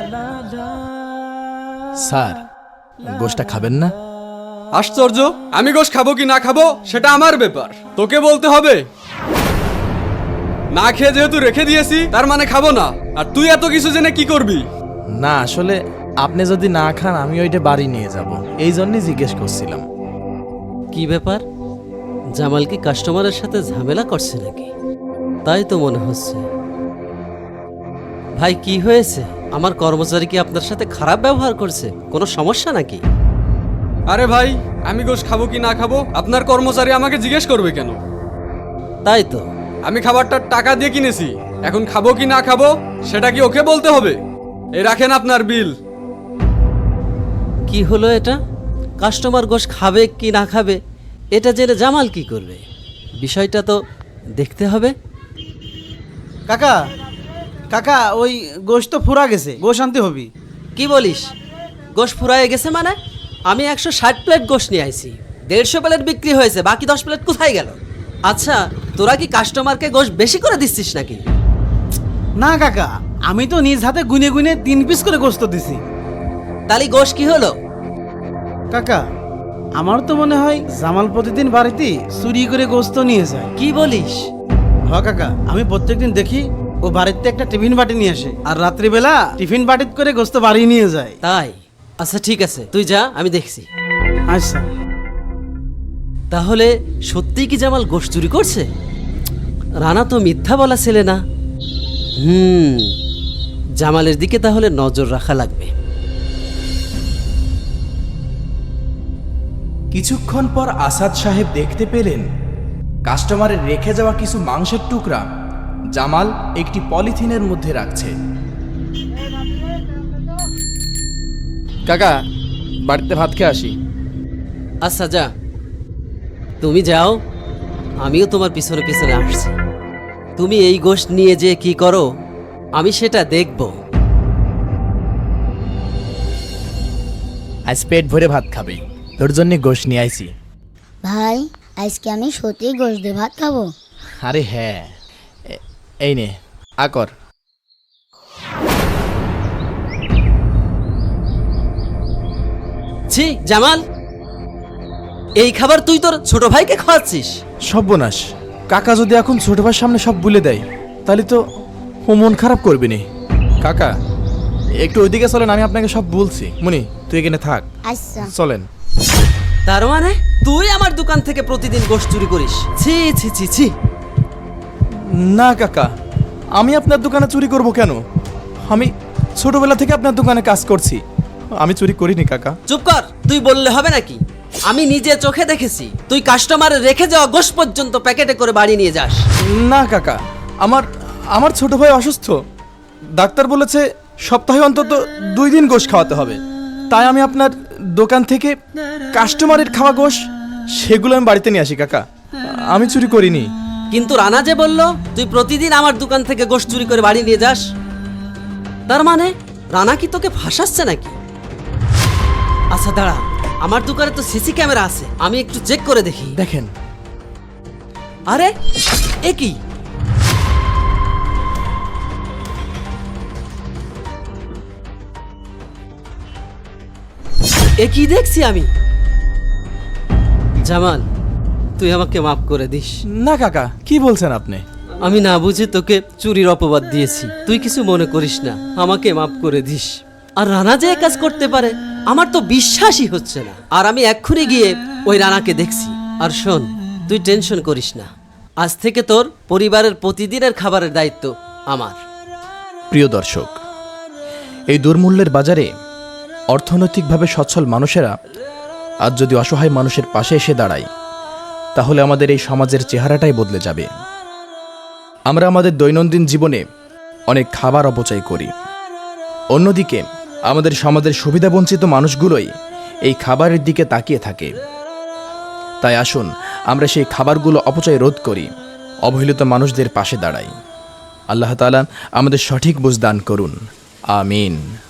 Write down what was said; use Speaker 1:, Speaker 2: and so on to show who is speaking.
Speaker 1: Sir, গোশটা খাবেন না?
Speaker 2: আশ্চর্য, আমি গোশ খাবো কি না খাবো সেটা আমার ব্যাপার, তোকে বলতে হবে? না খেয়ে যেহেতু রেখে দিয়েছি তার মানে খাবো না। আর তুই এত কিছু জেনে কি করবি?
Speaker 1: না, আসলে আপনি যদি না খান আমি ওইটা বাড়ি নিয়ে যাব, এই জন্যই জিজ্ঞেস করছিলাম।
Speaker 3: কি ব্যাপার, জামাল কি কাস্টমারের সাথে ঝামেলা করছে নাকি? তাই তো মনে হচ্ছে। ভাই কি হয়েছে? আমার কর্মচারী কি আপনার সাথে খারাপ ব্যবহার করছে? কোনো সমস্যা নাকি?
Speaker 2: আরে ভাই, আমি গোশ খাবো কি না খাবো আপনার কর্মচারী আমাকে জিজ্ঞেস করবে কেন?
Speaker 3: তাই তো।
Speaker 2: আমি খাবারটার টাকা দিয়ে কিনেছি, এখন খাবো কি না খাবো সেটা কি ওকে বলতে হবে? এই রাখেন আপনার বিল।
Speaker 3: কি হলো এটা? কাস্টমার গোশ খাবে কি না খাবে এটা জেনে জামাল কি করবে? বিষয়টা তো দেখতে হবে।
Speaker 4: কাকা কাকা, ওই গোশ তো ফুরা গেছে, গোশ আনতে হবি।
Speaker 3: কি বলিস? গোশ ফুরায়ে গেছে মানে? আমি 160 প্লেট গোশ নিয়ে আইছি, 150 প্লেট বিক্রি হয়েছে, বাকি 10 প্লেট কোথায় গেল? আচ্ছা, তোরা কি কাস্টমারকে গোশ বেশি করে দিচ্ছিস নাকি?
Speaker 4: না কাকা, আমি তো নিজ হাতে গুনে গুনে 3 পিস করে গোশত দিছি।
Speaker 3: তাহলে গোশ কি হলো?
Speaker 4: কাকা, আমার তো মনে হয় জামাল প্রতিদিন বাড়িতে চুরি করে গোশত নিয়ে যায়।
Speaker 3: কি বলিস?
Speaker 4: হ কাকা, আমি প্রত্যেকদিন দেখি ও বাড়িতে একটা টিফিন বাটি নিয়ে আসে, আর রাত্রিবেলা টিফিন বাটিত করে গোশত বাড়ি নিয়ে যায়।
Speaker 3: তাই? আচ্ছা ঠিক আছে, তুই যা, আমি দেখছি।
Speaker 4: আচ্ছা।
Speaker 3: তাহলে সত্যিই কি জামাল গোশ চুরি করছে? রানা তো মিথ্যা বলা ছেলে না। জামালের দিকে তাহলে নজর রাখা লাগবে।
Speaker 5: কিছুক্ষণ পর আসাদ সাহেব দেখতে পেলেন কাস্টমারের রেখে যাওয়া কিছু মাংসের টুকরা জামাল একটি পলিথিনের মধ্যে রাখছে।
Speaker 1: কাকা, বাড়িতে ভাত খেয়ে আসি।
Speaker 3: আচ্ছা যা, তুমি যাও, আমিও তোমার পিছনে পিছনে আসছি। তুমি এই গোশ নিয়ে যে কি করো আমি সেটা দেখব।
Speaker 1: আজ পেট ভরে ভাত খাবে, তোর জন্য গোশ নিয়ে আইছি।
Speaker 6: ভাই, আজকে আমি সত্যি গোশ দিয়ে ভাত খাবো।
Speaker 1: আরে হ্যাঁ, এই নে আকর।
Speaker 3: ছি জামাল, এই খাবার তুই তোর ছোট ভাইকে খাওয়াচ্ছিস?
Speaker 1: সর্বনাশ, কাকা যদি এখন ছোট ভাইয়ের সামনে সব বলে দেয় তাহলে তো ও মন খারাপ করবে নি। কাকা, একটু ওইদিকে চলেন, আমি আপনাকে সব বলছি। মনি, তুই এখানে থাক।
Speaker 6: আচ্ছা।
Speaker 1: চলেন।
Speaker 3: তার মানে তুই আমার দোকান থেকে প্রতিদিন গোশ চুরি করিস? ছি ছি ছি ছি।
Speaker 1: না কাকা, আমি আপনার দোকানে চুরি করব কেন? আমি ছোটবেলা থেকে আপনার দোকানে কাজ করছি, আমি চুরি করিনি কাকা।
Speaker 3: চুপ কর, তুই বললে হবে নাকি? আমি নিজে চোখে দেখেছি তুই কাস্টমারের রেখে যাওয়া গোশ পর্যন্ত প্যাকেটে করে বাড়ি নিয়ে যাস।
Speaker 1: না কাকা, আমার ছোট ভাই অসুস্থ, ডাক্তার বলেছে সপ্তাহে অন্তত 2 দিন গোশ খাওয়াতে হবে, তাই আমি আপনার দোকান থেকে কাস্টমারের খাওয়া গোশ সেগুলো আমি বাড়িতে নিয়ে আসি কাকা, আমি চুরি করিনি।
Speaker 3: কিন্তু রানা যে বলল তুই প্রতিদিন আমার দোকান থেকে গোশ চুরি করে বাড়ি নিয়ে যাস, তার মানে রানা কি তোকে ফাঁসাচ্ছে নাকি? আচ্ছা দাঁড়া, আমার দোকানে তো সিসি ক্যামেরা আছে, আমি একটু চেক করে দেখি।
Speaker 1: দেখেন।
Speaker 3: আরে এ কি? এ কি দেখছি আমি? জামাল, তুই আমাকে মাফ করে দিস।
Speaker 1: না কাকা, কি বলছেন আপনি?
Speaker 3: আমি না বুঝে তোকে চুরির অপবাদ দিয়েছি, তুই কিছু মনে করিস না, আমাকে মাফ করে দিস। আর রানা যে কাজ করতে পারে আমার তো বিশ্বাসই হচ্ছে না, আর আমি এক্ষুনি গিয়ে ওই রানাকে দেখছি। আর শোন, তুই টেনশন করিস না, আজ থেকে তোর পরিবারের প্রতিদিনের খাবারের দায়িত্ব আমার।
Speaker 1: প্রিয় দর্শক, এই দুর্মূল্যের বাজারে অর্থনৈতিকভাবে সচ্ছল মানুষেরা আজ যদি অসহায় মানুষের পাশে এসে দাঁড়ায় তাহলে আমাদের এই সমাজের চেহারাটাই বদলে যাবে। আমরা আমাদের দৈনন্দিন জীবনে অনেক খাবার অপচয় করি, অন্যদিকে আমাদের সমাজের সুবিধাবঞ্চিত মানুষগুলোই এই খাবারের দিকে তাকিয়ে থাকে। তাই আসুন আমরা সেই খাবারগুলো অপচয় রোধ করি, অবহেলিত মানুষদের পাশে দাঁড়াই। আল্লাহ তাআলা আমাদের সঠিক বুঝ দান করুন। আমিন।